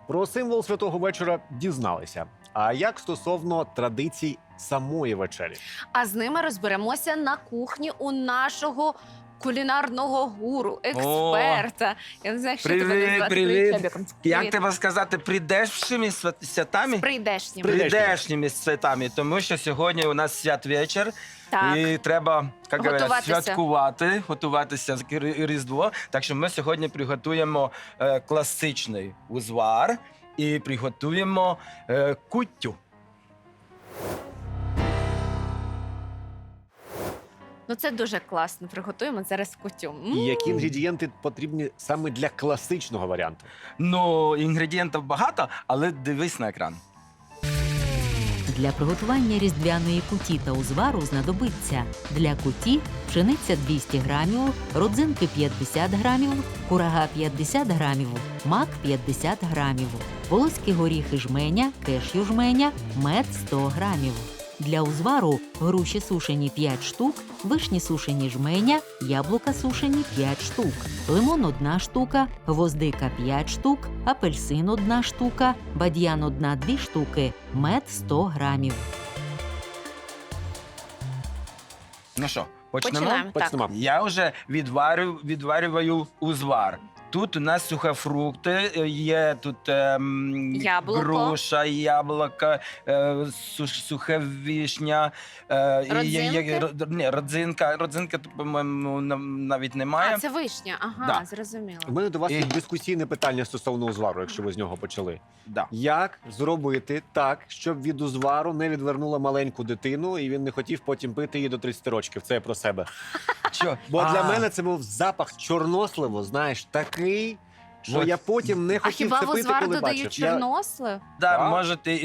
Про символ святого вечора дізналися. А як стосовно традицій самої вечері? А з ними розберемося на кухні у нашого кулінарного гуру, експерта. Я не знаю, як що тебе Привіт, назвати. привіт. Чебіком. Як Привіт. тебе сказати, прийдешніми святами? З прийдешнім. Прийдешніми святами, тому що сьогодні у нас святвечір, Так. і треба, як говорять, Готуватися. святкувати, готуватися к Різдво. Так що ми сьогодні приготуємо класичний узвар і приготуємо куттю. Ну це дуже класно. Приготуємо зараз кутю. І які інгредієнти потрібні саме для класичного варіанту? Ну, інгредієнтів багато, але дивись на екран. Для приготування різдвяної куті та узвару знадобиться для куті пшениця 200 грамів, родзинки 50 грамів, курага 50 грамів, мак 50 грамів, волоські горіхи жменя, кешю жменя, мед 100 грамів. Для узвару груші сушені 5 штук, вишні сушені жменя, яблука сушені 5 штук, лимон 1 штука, гвоздика 5 штук, апельсин 1 штука, бадьян 1-2 штуки, мед 100 грамів. Ну що, почнемо? Починаємо. Так. Почнемо. Я вже відварюю узвар. Тут у нас сухофрукти, є тут Яблуко. груша, яблуко, сухе вишня, Родзинки? родзинка, тут, по-моєму, навіть немає. А, це вишня. Ага, Да. зрозуміло. У мене до вас є І- дискусійне питання стосовно узвару, якщо ви з нього почали. Да. Як зробити так, щоб від узвару не відвернула маленьку дитину, і він не хотів потім пити її до 30 років? Це я про себе. Що? Бо для А, мене це був запах чорносливу, знаєш, такий, що От. я потім не А хотів хіба це в пити, узвар коли додають бачив. чорнослив? Да, Так, може, так.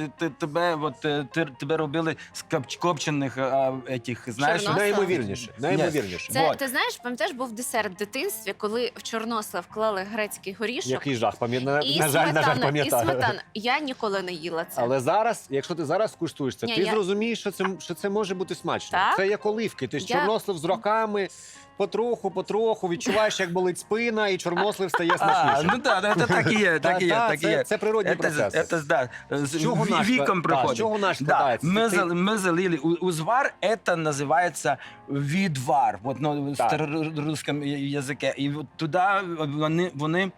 тебе робили з копчених етих, знаєш? Чорнослив? Найімовірніше, найімовірніше. Це, Вот. ти знаєш, пам'ятаєш, був десерт в дитинстві, коли в чорнослив вклали грецький горішок Який жах, пам'ятаю. і На жаль, сметану. пам'ятаю. Я ніколи не їла це. Але зараз, якщо ти зараз куштуєш це, Ні, ти я- зрозумієш, що це може бути смачно. Так? Це як оливки. Ти ж Я- чорнослив з роками, потроху відчуваєш, як болить спина, і чорнослив стає А, смачнішим. ну так, це так і є, так і є, так і є. Це природній процес. Це, да, з чого наш віком та, приходить. з чого наш Да, складається? ми залили узвар, це називається відвар, вот, ну, в Так. старорусском язикі. І от туди вони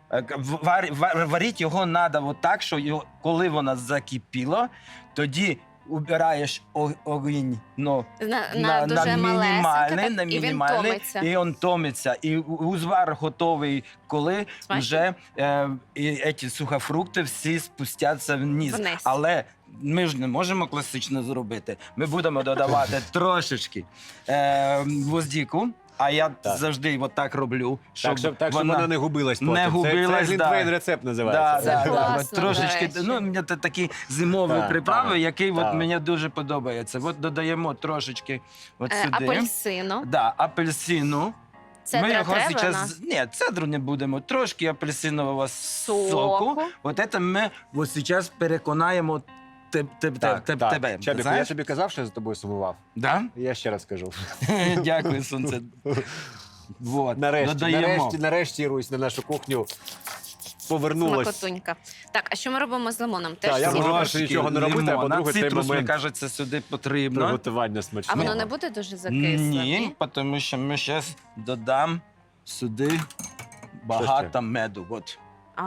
варити його треба от так, що коли вона закипіла, тоді убираєш огонь, ну, на дуже малесеньке, на і він мінімальний, томиться. і він томиться. І узвар готовий, коли Смачно? вже і ці сухофрукти всі спустяться вниз. Вниз. Але ми ж не можемо класично зробити. Ми будемо додавати трошечки гвоздику, а я Так. завжди так роблю, щоб Так, щоб вона не губилась потім. не губилась, Це глінтвейн рецепт Да, називається. да, Це да. класно, Трошечки, до речі. ну, мені це такі зимові Так, приправи, так, які так. от мені дуже подобаються. От додаємо трошечки от сюди. Апельсину. Да, апельсину. Цедра треба зараз... Ні, цедру не будемо. Трошки апельсинового соку. Соку. От це ми от зараз переконаємо тебе. Чабіку, я Знаєш? тобі казав, що я за тобою сумував? Да? Я ще раз кажу. Дякую, сонце. Вот. Нарешті, нарешті, Русь, на нашу кухню повернулась. Смакотунька. Так, а що ми робимо з лимоном? Так, Теж я сіль? можу нічого не робити, а лимона. по-друге, цей Цитрус, момент мені кажеться, сюди потрібно. приготування А смачного. воно не буде дуже закисле? Ні, тому що ми зараз додам сюди багато меду. От,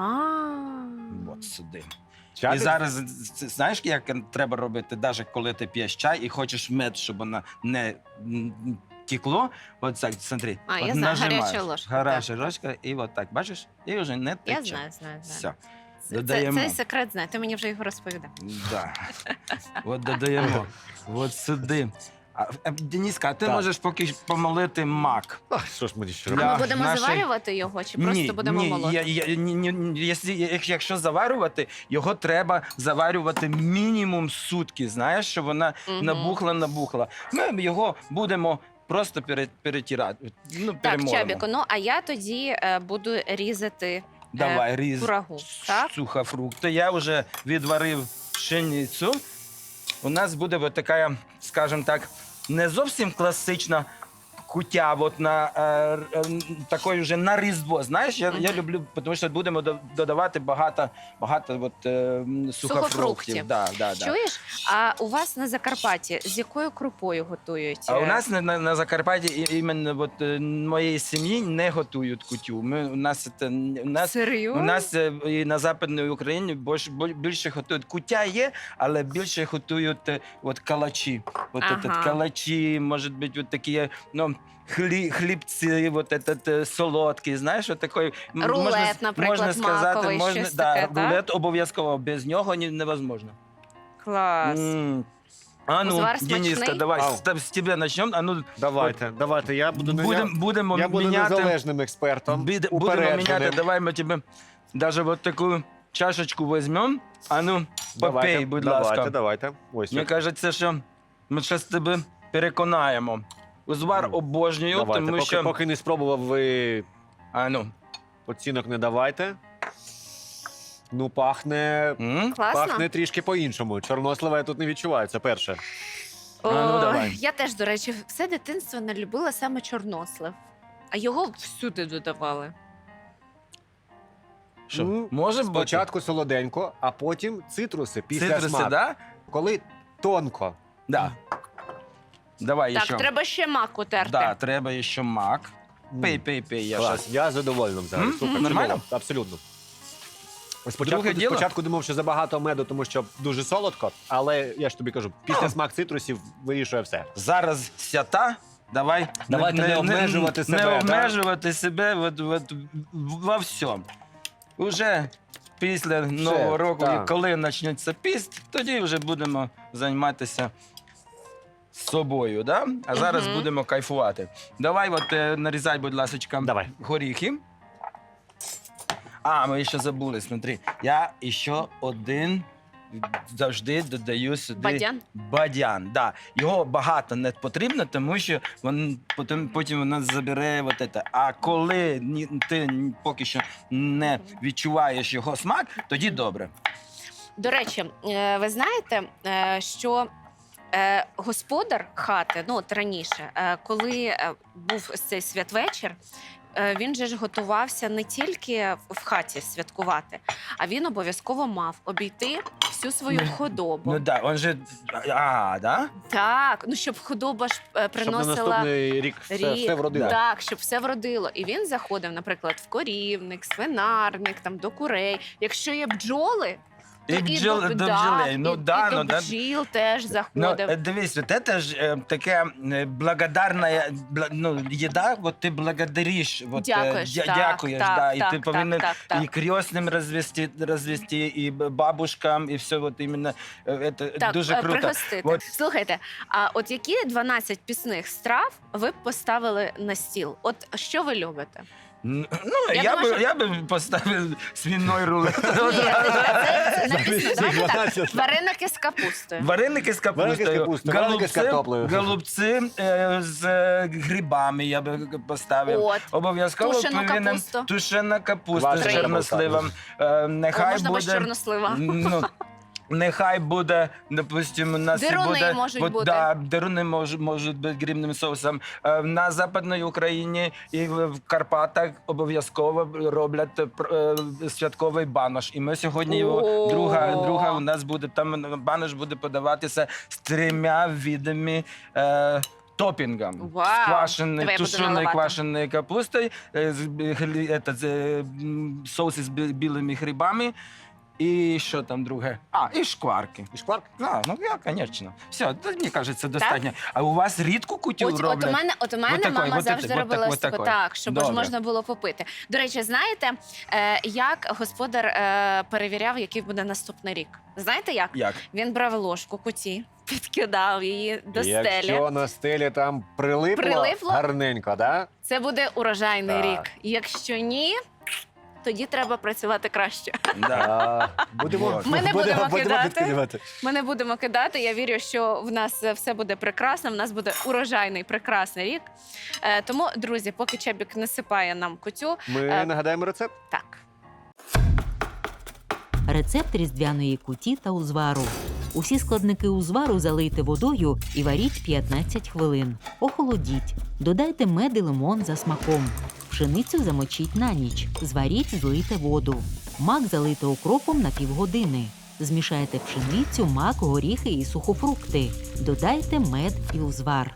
от сюди. Чабік? І зараз, знаєш, як треба робити, навіть коли ти п'єш чай і хочеш мед, щоб вона не текло, от так, смотри. А, от я знаю, нажимаєш. гаряча ложка, Гаряча ложка, і от так, бачиш? І вже не тече. Я знаю. Все, Це додаємо. цей секрет знає, ти мені вже його розповідав. Да. От додаємо. От сюди. Дениска, а ти Так. можеш поки помолити мак. Ах, що ж мені ще А робити? ми будемо нашої- заварювати його чи просто будемо молоти? Якщо заварювати, його треба заварювати мінімум сутки, знаєш, щоб вона Мгм. набухла. Ми його будемо просто перетирати. Ну, Так, перемолимо. Чабіко, ну а я тоді буду різати Давай, різ курагу. Так? сухофрукти. Я вже відварив пшеницю. У нас буде от така, скажімо так, не зовсім класична куття от на такої вже на Різдво. Знаєш, я люблю, тому що будемо додавати багато от, сухофруктів. Сухофруктів. Да. Чуєш? А у вас на Закарпатті з якою крупою готують? А у нас на Закарпатті іменно от, моєї сім'ї не готують кутю. У нас і на Западній Україні більше готують. Куття є, але більше готують от калачі. От Ага. калачі, може бути, от такі, ну, хлібці, от этот, солодкі, знаєш, от такий, Рулет, наприклад, маковий, щось таке, так? рулет обов'язково, без нього невозможно. Клас. А ну, Узвар Дениска, смачний? давай, Ау. з тебе почнемо. А ну, Давайте, я буду будемо я буду міняти. незалежним експертом. Будемо упередженим. міняти, давай ми тебе даже вот таку чашечку візьмемо. А ну, попей, будь ласка. Давайте. Ось. Мені кажеться, що ми зараз тебе переконаємо. Узвар Ну, обожнюю, давайте. тому що... Поки не спробував, ви А ну. оцінок не давайте. Ну, пахне Класно? Пахне трішки по-іншому. Чорнослива я тут не відчуваю, це перше. О, ну, давай. я теж, до речі, все дитинство не любила саме чорнослив. А його всюди додавали. Що, Ну, може бути? Спочатку солоденько, а потім цитруси після Цитруси, смаку. да? Коли тонко. Да. Давай Так, ще. треба ще мак утерти. Да, треба ще мак. М. Пей, я Клас, щас. я задоволений взагалі. М? Супер, Нормально? чудово, абсолютно. Друге діло? Спочатку думав, що забагато меду, тому що дуже солодко, але я ж тобі кажу, після смак цитрусів вирішує все. Зараз свята. Давай Давайте не обмежувати себе, Не да? обмежувати себе от во всьому. Уже після Нового року, так. коли почнеться піст, тоді вже будемо займатися собою. Да? А зараз Мгм. будемо кайфувати. Давай от, нарізай, будь ласка, Давай. горіхи. А, ми ще забули, смотри. Я ще один завжди додаю сюди Бадян? бадян. Да. Його багато не потрібно, тому що потім вона забере вот это. А коли ти поки що не відчуваєш його смак, тоді добре. До речі, ви знаєте, що господар хати, ну от раніше, коли був цей святвечір, він же ж готувався не тільки в хаті святкувати, а він обов'язково мав обійти всю свою худобу. Ну да, он же. Да? Так, ну щоб худоба ж Щоб на приносила наступний рік все вродило. Так, щоб все вродило. І він заходив, наприклад, в корівник, свинарник, там до курей. Якщо є бджоли, то І до бджолей. Ну, да, і ну, до да. бджіл теж Ну, заходив. дивись, вот це ж таке благодарна їда, от ти благодариш, от, Дякуєш, так, дякуєш, так, да, і так, ти так, повинен так. і крестним розвести, і бабушкам, і все, от іменно, це Так, дуже круто. пригостити. От. Слухайте, а от які 12 пісних страв ви б поставили на стіл? От що ви любите? Ну, Я я думаю, що- би поставив свиной рулет. Ні, це написано. Давайте так. 12. Вареники з капустою. Вареники з Вареники з капустою, капустою, вареники з картоплею. голубці з грибами я би поставив. От. Обов'язково Тушену повинен капусту. тушена капуста з Квашена чорносливом. О, Нехай можна без буде, чорнослива. ну, нехай буде, допустим, у нас Деруни буде, можуть от, бути. Да, деруни можуть бути грибним соусом. На Западній Україні і в Карпатах обов'язково роблять святковий банош. І ми сьогодні його, О! друга у нас буде, там банош буде подаватися з 3 видами топінгом. Вау! З квашеної, Давай я буду тушеної наливати. квашеної капусти, соуси з білими грибами. І що там друге? І шкварки. І шкварк? Ну, звісно. Все, мені кажеться, достатньо. А у вас рідку кутю От роблять? у мене Вот такой, мама вот завжди это, робила вот такой. так, щоб ж Добре. можна було попити. До речі, знаєте, як господар перевіряв, який буде наступний рік? Знаєте як? Як? Він брав ложку куті, підкидав її до стелі. Якщо на стелі там прилипло гарненько, да? Це буде урожайний Так. рік. Якщо ні, тоді треба працювати краще. Да. Будемо, Ми не будемо кидати. підкидувати. Ми не будемо кидати. Я вірю, що в нас все буде прекрасно. В нас буде урожайний, прекрасний рік. Тому, друзі, поки Чебік насипає нам кутю, Ми нагадаємо рецепт. так. Рецепт різдвяної куті та узвару. Усі складники узвару залийте водою і варіть 15 хвилин. Охолодіть. Додайте мед і лимон за смаком. Пшеницю замочіть на ніч. Зваріть, злийте воду. Мак залийте укропом на півгодини. Змішайте пшеницю, мак, горіхи і сухофрукти. Додайте мед і узвар.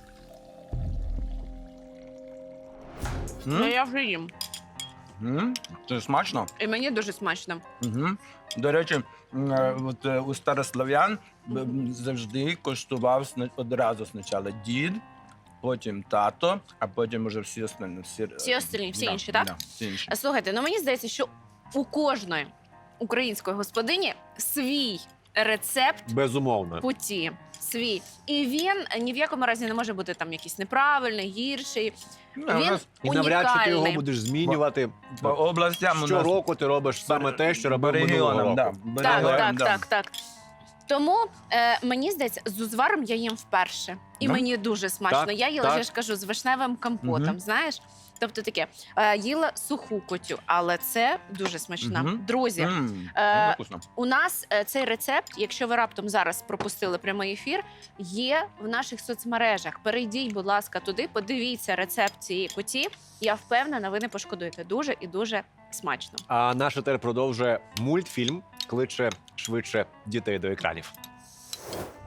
Ну, я вже їм. Це смачно? І мені дуже смачно. Угу. До речі, у старослов'ян завжди коштував одразу спочатку дід, потім тато, а потім уже всі остальні. Всі остальні, всі інші, так? Да, всі інші. Слухайте, ну мені здається, що у кожної української господині свій рецепт Безумовно. куті. Свій. І він ні в якому разі не може бути там якийсь неправильний, гірший. Ну, у Він нас І навряд чи ти його унікальний. будеш змінювати. по областям у нас Щороку ти робиш саме те, що робив минулого року. Да, Так, регіонам, так. Тому мені здається, з узваром я їм вперше. І Да? мені дуже смачно. Так, Я їла, так. я ж кажу, з вишневим компотом, Мгм. знаєш? Тобто таке, їла суху котю, але це дуже смачно. Мгм. Друзі, Дуже вкусно. у нас цей рецепт, якщо ви раптом зараз пропустили прямий ефір, є в наших соцмережах. Перейдіть, будь ласка, туди, подивіться рецепт цієї куті. Я впевнена, ви не пошкодуєте. Дуже і дуже смачно. А наш етер продовжує мультфільм «Кличе швидше дітей до екранів».